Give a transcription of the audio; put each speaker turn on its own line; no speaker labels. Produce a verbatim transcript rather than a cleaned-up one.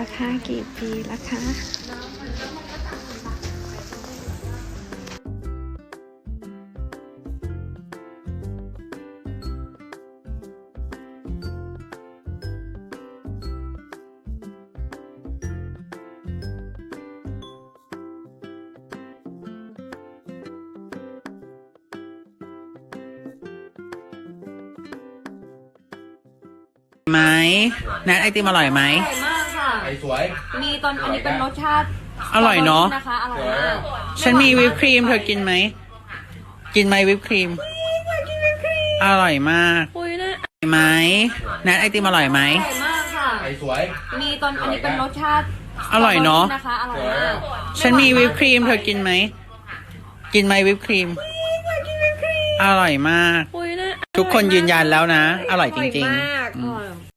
ราคากี่ปีราคา
ไหมแนทไอติมอร่อยไหม
อร่อยมากค่ะ
ไอสวย
มีตอนอันนี้เป็นรสชาติ
อร่อยเนาะ
นะคะอร่อยมาก
ฉันมีวิปครีมเธอกินไหมกินไหมวิปครีมอร่อยมาก
คุยนะ
ไหมแนทไอติมอร่อยไหม
อร่อยมากค่ะ
ไอสวย
มีตอนอันนี้เป็นรสชาติ
อร่อยเนาะ
นะคะอร่อยมาก
ฉันมีวิปครีมเธอกินไหมกินไหมวิปครีมอร่อยมาก
คุยนะ
ทุกคนยืนยันแล้วนะ อร่อยจริง
อร่อยมาก
ๆอื
อ
ม
ร่อย